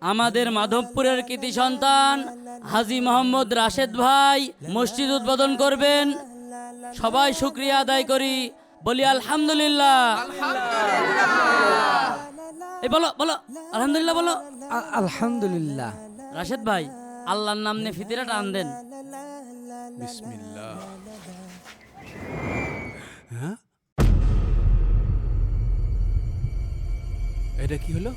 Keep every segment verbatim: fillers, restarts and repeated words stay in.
আমাদের মাধবপুরের কৃতি সন্তান হাজী মোহাম্মদ রাশেদ ভাই মসজিদ উদ্বোধন করবেন। সবাই শুকরিয়া আদায় করি, বলি আলহামদুলিল্লাহ। এই বলো বলো আলহামদুলিল্লাহ বলো। আ- আলহামদুলিল্লাহ। রাশেদ ভাই, আল্লাহর নাম নিয়ে ফিতিরা টান দেন। বিসমিল্লাহ। হ্যাঁ, এটা কি হলো?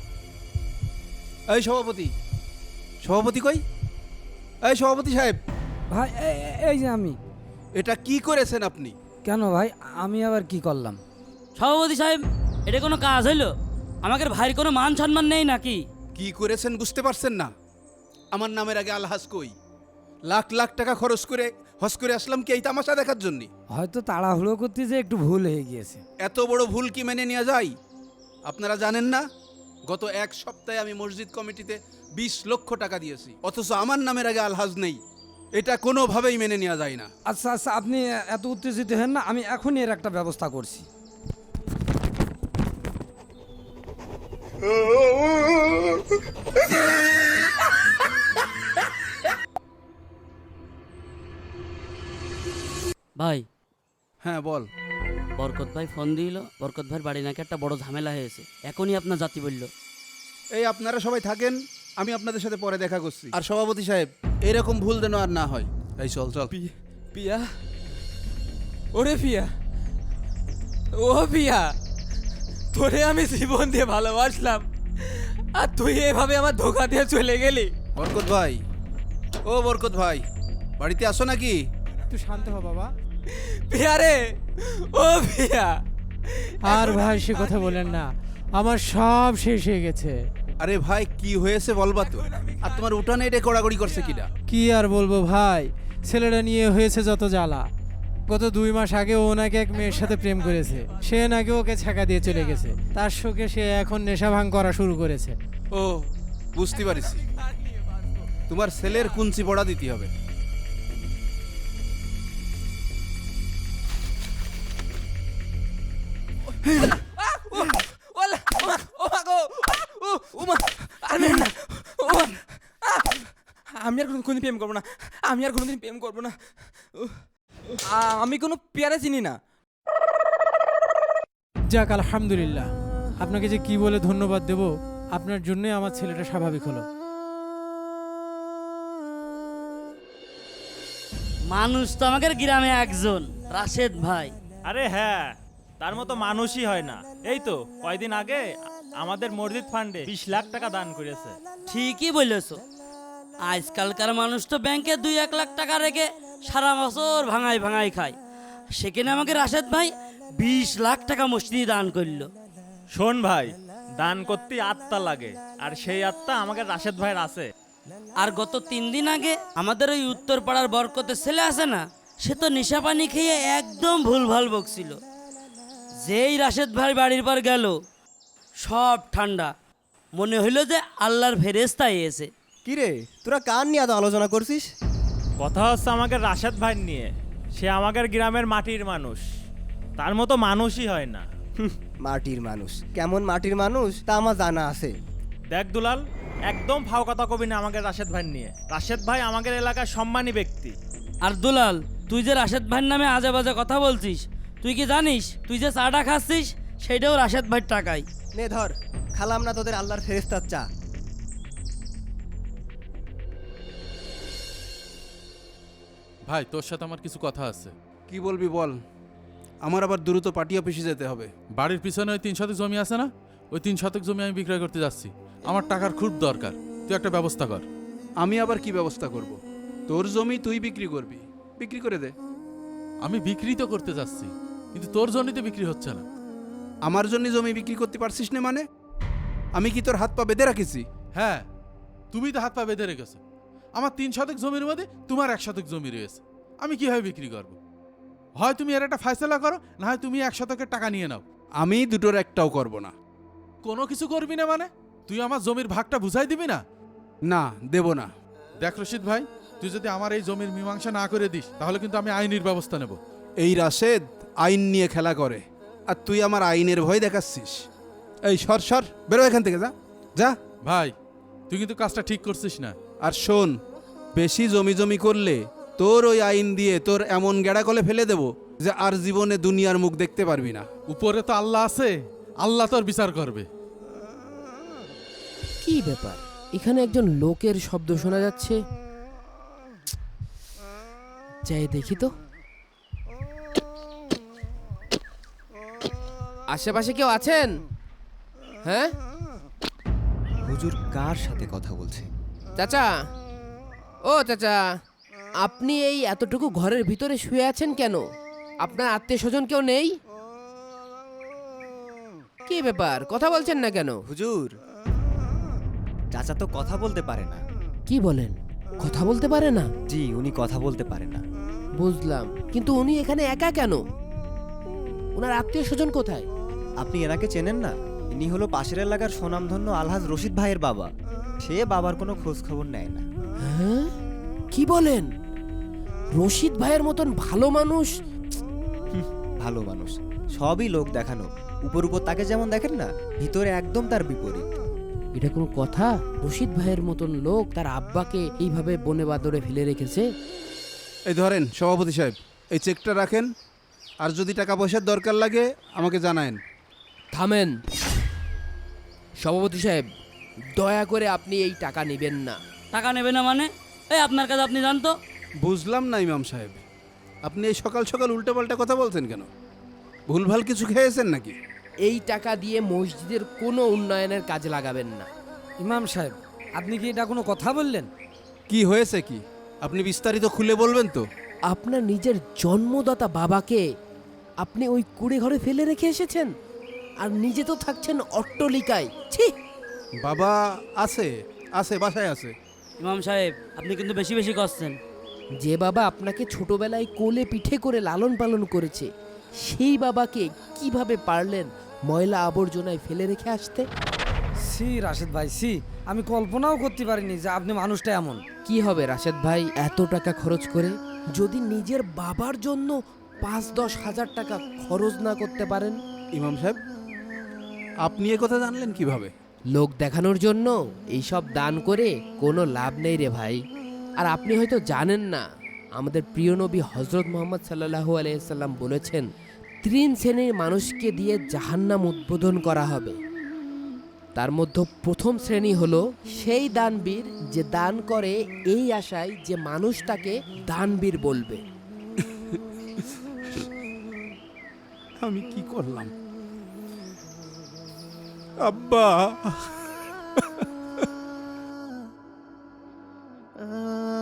এই সভাপতি, সভাপতি কই? এই সভাপতি সাহেব, ভাই এ- এ- এই যে আমি। এটা কি করেছেন আপনি? কেন ভাই, আমি আবার কি করলাম? সভাপতি সাহেব, এটা কোনো কাজ হইলো? আমাদের ভাইয়ের কোনো মান সম্মান নেই নাকি? কি করেছেন বুঝতে পারছেন না? আমার নামের আগে আলহাজ কই? লাখ লাখ টাকা খরচ করে হজ করে আসলাম কি এই তামাশা দেখার জন্য? হয়তো তাড়াহুড়ো করতে যে একটু ভুল হয়ে গিয়েছে। এত বড় ভুল কি মেনে নেওয়া যায়? আপনারা জানেন না, গত এক সপ্তাহে আমি মসজিদ কমিটিতে বিশ লক্ষ টাকা দিয়েছি, অথচ আমার নামের আগে আলহাজ নেই। এটা কোনোভাবেই মেনে নেওয়া যায় না। আচ্ছা আচ্ছা, আপনি এত উত্তেজিত হেন না, আমি এখনই এর একটা ব্যবস্থা করছি। ভাই, হ্যাঁ বল। বরকত ভাই ফোন দিল, বরকত ভাইয়ের বাড়ি নাকি একটা বড় ঝামেলা হয়েছে, এখনই আপনার জাতি বলল। এই আপনারা সবাই থাকেন, আমি আপনাদের সাথে পরে দেখা করছি। আর সভাপতি সাহেব, এরকম ভুল যেন আর না হয়। এই চল চল। পিয়া, ওরে পিয়া, ও পিয়া, তোরে আমি জীবন দিয়ে ভালোবাসলাম, আর তুই এভাবে আমার ধোকা দিয়ে চলে গেলি। বরকত ভাই, ও বরকত ভাই, বাড়িতে আসো নাকি? একটু শান্ত হ বাবা। পিয়া রে, ও পিয়া। আর ভাই সে কথা বলেন না, আমার সব শেষ হয়ে গেছে। আরে ভাই, কি হয়েছে বলবা তো? আর তোমার উঠানে এটা কড়াকড়ি করছে কিনা? কি আর বলবো ভাই, ছেলেটা নিয়ে হয়েছে যত জ্বালা। গত দুই মাস আগে ও নাকি এক মেয়ের সাথে প্রেম করেছে, সে নাকি ওকে ছ্যাঁকা দিয়ে চলে গেছে। তার শোকে সে এখন নেশা ভাঙ করা শুরু করেছে। ও, বুঝতে পারছি। তোমার ছেলের কুঞ্চি পড়া দিতে হবে। ওলা, ও মা, ও মা গো, ও, ও মা, আর মেরে না, ও মা, আহ! আমি আর কোনোদিন প্রেম করবো না, আমি আর কোনোদিন প্রেম করবো না। উহ, আ- আমি কোনো পেয়ারা চিনি না। যাক আলহামদুলিল্লাহ, আপনাকে যে কি বলে ধন্যবাদ দেব, আপনার জন্যই আমার ছেলেটা স্বাভাবিক হলো। মানুষ তো আমাদের গ্রামে একজন, রাশেদ ভাই। আরে হ্যাঁ, তার মতো মানুষই হয় না। এই তো কয়দিন আগে আমাদের মসজিদ ফান্ডে বিশ লাখ টাকা দান করেছে। ঠিকই বলেছো, আজকালকার মানুষ তো ব্যাংকে দুই এক লাখ টাকা রেখে সারা বছর ভাঙাই ভাঙাই খায়, সেখানে আমাকে রাশেদ ভাই বিশ লাখ টাকা মসজিদে দান করলো। শোন ভাই, দান করতে আত্মা লাগে, আর সেই আত্মা আমাদের রাশেদ ভাইয়ের আছে। আর গত তিন দিন আগে আমাদের ওই উত্তর পাড়ার বরকতের ছেলে আছে না, সে তো নেশা পানি খেয়ে একদম ভুলভাল বকছিল। যেই রাশেদ ভাই বাড়ির পর গেল, সব ঠান্ডা, মনে হইল যে আল্লাহর ফেরেশতা এসে। কিরে, তোরা কার নিয়ে এত আলোচনা করছিস? কথা হচ্ছে আমাদের রাশেদ ভাই নিয়ে। সে আমাদের গ্রামের মাটির মানুষ, তার মতো মানুষই হয় না। হুঁ, মাটির মানুষ কেমন মাটির মানুষ তা আমার জানা আছে। দেখ দুলাল, একদম ফাও কথা কবি না আমাদের রাশেদ ভাই নিয়ে। রাশেদ ভাই আমাদের এলাকার সম্মানী ব্যক্তি। আর দুলাল, তুই যে রাশেদ ভাইয়ের নামে আজে বাজে কথা বলছিস, তুই কি জানিস তুই যে চাটা খাচ্ছিস সেটাও রাশেদ ভাইয়ের টাকায়। নে ধর, খালাম না তোদের আল্লাহর ফেরেশতার চা। ভাই, তোর সাথে আমার কিছু কথা আছে। কি বলবি বল। আমার আবার দ্রুত পার্টি অফিসে যেতে হবে। বাড়ির পিছনে ওই তিন শতক জমি আছে না, ওই তিন শতক জমি আমি বিক্রয় করতে যাচ্ছি। আমার টাকার খুব দরকার, তুই একটা ব্যবস্থা কর। আমি আবার কি ব্যবস্থা করব? তোর জমি তুই বিক্রি করবি, বিক্রি করে দে। আমি বিক্রি তো করতে যাচ্ছি, কিন্তু তোর জমিতে বিক্রি হচ্ছে না। আমার জন্য জমি বিক্রি করতে পারছিস না মানে? আমি কি তোর হাত পা বেঁধে রাখিছি? হ্যাঁ, তুমি তো হাত পা বেঁধে রেখেছো। আমার তিন শতক জমির মধ্যে তোমার এক শতক জমি রয়েছে, আমি কিভাবে বিক্রি করব? হয় তুমি এর একটা ফয়সালা করো, না হয় তুমি এক শতকের টাকা নিয়ে নাও। আমি দুটোর একটাও করব না। কোনো কিছু করবি না মানে? তুই আমার জমির ভাগটা বুঝাই দিবি না? না, দেব না। দেখ রশিদ ভাই, তুই যদি আমার এই জমির মীমাংসা না করে দিস, তাহলে কিন্তু আমি আইনের ব্যবস্থা নেব। এই রাশেদ আইন নিয়ে খেলা করে, আর তুই আমার আইনের ভয় দেখাচ্ছিস। এই সর সর, বেরো এখান থেকে, যা যা। ভাই, তুই কিন্তু কাজটা ঠিক করছিস না। আর শোন, বেশি জমি জমি করলে তোর ওই আইন দিয়ে তোর এমন গেড়া কলে ফেলে দেব যে আর জীবনে দুনিয়ার মুখ দেখতে পারবি না। উপরে তো আল্লাহ আছে, আল্লাহ তোর বিচার করবে। কি ব্যাপার, এখানে একজন লোকের শব্দ শোনা যাচ্ছে। যাই দেখি তো। আশেপাশে কেউ আছেন? হ্যাঁ হুজুর কার সাথে কথা বলছে? চাচা, ও চাচা, আপনি এই এতটুকু ঘরের ভিতরে শুয়ে আছেন কেন? আপনার আত্মীয় স্বজন কেউ নেই? কি ব্যাপার, কথা বলছেন না কেন? হুজুর, চাচা তো কথা বলতে পারে না। কি বলেন, কথা বলতে পারে না? জি, উনি কথা বলতে পারে না। বুঝলাম, কিন্তু উনি এখানে একা কেন? ওনার আত্মীয় স্বজন কোথায়? আপনি এনাকে চেনেন না? ইনি হলো পাশের এলাকার সুনামধন্য আলহাজ রশিদ ভাইয়ের বাবা। সে বাবার কোনো খোঁজ খবর নেয় না। হ্যাঁ, কি বলেন? রশিদ ভাইয়ের মতন ভালো মানুষ? ভালো মানুষ, সবই লোক দেখানো। উপর উপর তাকে যেমন দেখেন না, ভিতরে একদম তার বিপরীত। এটা কোনো কথা? রশিদ ভাইয়ের মতন লোক তার আব্বাকে এইভাবে বনে বাদরে ফেলে রেখেছে? এই ধরেন সভাপতি সাহেব, এই চেকটা রাখেন, আর যদি টাকা পয়সার দরকার লাগে আমাকে জানায়েন। থামেন সভাপতি সাহেব, দয়া করে আপনি এই টাকা নেবেন না। টাকা নেবে না মানে? এই আপনার কাছে আপনি জানতো। বুঝলাম না ইমাম সাহেব, আপনি এই সকাল সকাল উল্টোপাল্টা কথা বলছেন কেন? ভুলভাল কিছু খেয়েছেন নাকি? এই টাকা দিয়ে মসজিদের কোনো উন্নয়নের কাজে লাগাবেন না। ইমাম সাহেব, আপনি কি এটা কোনো কথা বললেন? কি হয়েছে কি আপনি বিস্তারিত খুলে বলবেন তো? আপনার নিজের জন্মদাতা বাবাকে আপনি ওই কুড়ে ঘরে ফেলে রেখে এসেছেন, আর নিজে তো থাকছেন অট্টলিকায়। ছি! বাবা আছে, আছে, বাসায় আছে। ইমাম সাহেব, আপনি কিন্তু বেশি বেশি করছেন। যে বাবা আপনাকে ছোটবেলায় কোলে পিঠে করে লালন পালন করেছে, সেই বাবাকে কিভাবে পারলেন ময়লা আবর্জনায় ফেলে রেখে আসতে? সি রাশেদ ভাই, সি, আমি কল্পনাও করতে পারিনি যে আপনি মানুষটা এমন। কি হবে রাশেদ ভাই এত টাকা খরচ করে, যদি নিজের বাবার জন্য পাঁচ দশ হাজার টাকা খরচ না করতে পারেন? ইমাম সাহেব, আপনি এ কথা জানলেন কিভাবে? লোক দেখানোর জন্য এইসব দান করে কোনো লাভ নেই রে ভাই। আর আপনি হয়তো জানেন না, আমাদের প্রিয় নবী হজরত মোহাম্মদ সাল্লাল্লাহু আলাইহি সাল্লাম বলেছেন, তিন শ্রেণীর মানুষকে দিয়ে জাহান্নাম উদ্বোধন করা হবে। তার মধ্যে প্রথম শ্রেণী হলো সেই দানবীর যে দান করে এই আশায় যে মানুষ তাকে দানবীর বলবে। আমি কি করলাম আব্বা?